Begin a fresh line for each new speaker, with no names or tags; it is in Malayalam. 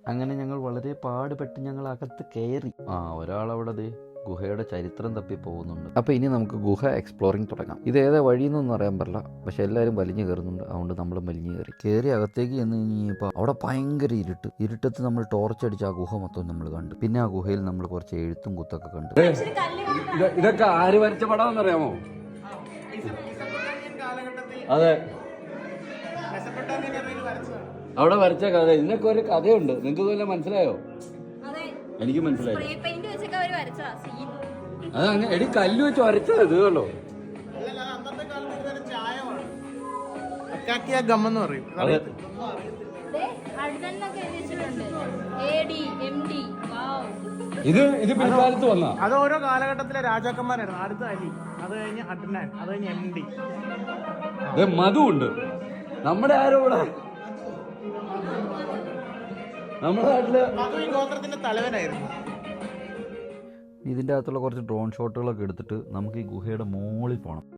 അങ്ങനെ ഞങ്ങൾ വളരെ പാടുപെട്ട് ഞങ്ങൾ അകത്ത് കയറി. ഒരാളവിടെ ഗുഹയുടെ ചരിത്രം തപ്പി പോകുന്നുണ്ട്. അപ്പോൾ ഇനി നമുക്ക് ഗുഹ എക്സ്പ്ലോറിങ് തുടങ്ങാം. ഇത് ഏതാ വഴിയെന്നൊന്നും അറിയാൻ പറ്റില്ല, പക്ഷെ എല്ലാവരും വലിഞ്ഞു കയറുന്നുണ്ട്. അതുകൊണ്ട് നമ്മൾ വലിഞ്ഞു കയറി അകത്തേക്ക് ചെന്ന് കഴിഞ്ഞപ്പോൾ അവിടെ ഭയങ്കര ഇരുട്ടത്ത് നമ്മൾ ടോർച്ച് അടിച്ച് ആ ഗുഹ മൊത്തം നമ്മൾ കണ്ടു. പിന്നെ ആ ഗുഹയിൽ നമ്മൾ കുറച്ച് എഴുത്തും കുത്തൊക്കെ കണ്ടു.
ഇതൊക്കെ ആര് വരച്ച പടം അറിയാമോ? അതെ, അവിടെ വരച്ച കഥ. ഇതിനൊക്കെ ഒരു കഥയുണ്ട്. നിങ്ങൾക്ക് വല്ലതും മനസ്സിലായോ? എനിക്ക് മനസ്സിലായി. അത് അങ്ങനെ എടി കല്ല് വെച്ച് വരച്ചത് ഇത് കണ്ടോ. അതെ, ഇത് പിൽക്കാലത്ത് വന്ന
അത് ഓരോ കാലഘട്ടത്തിലെ രാജാക്കന്മാരായിരുന്നു. അടുത്ത അലി, അത് കഴിഞ്ഞ് അഡ്നാൻ, അത് കഴിഞ്ഞ് MD.
മധു ഉണ്ട്. നമ്മുടെ ആരോ ഇവിടെ നമ്മുടെ നാട്ടില്
മധു ഈ ഗോത്രത്തിന്റെ തലവനായിരുന്നു.
ഇതിൻ്റെ അകത്തുള്ള കുറച്ച് ഡ്രോൺ ഷോട്ടുകളൊക്കെ എടുത്തിട്ട് നമുക്ക് ഈ ഗുഹയുടെ മുകളിൽ പോകണം.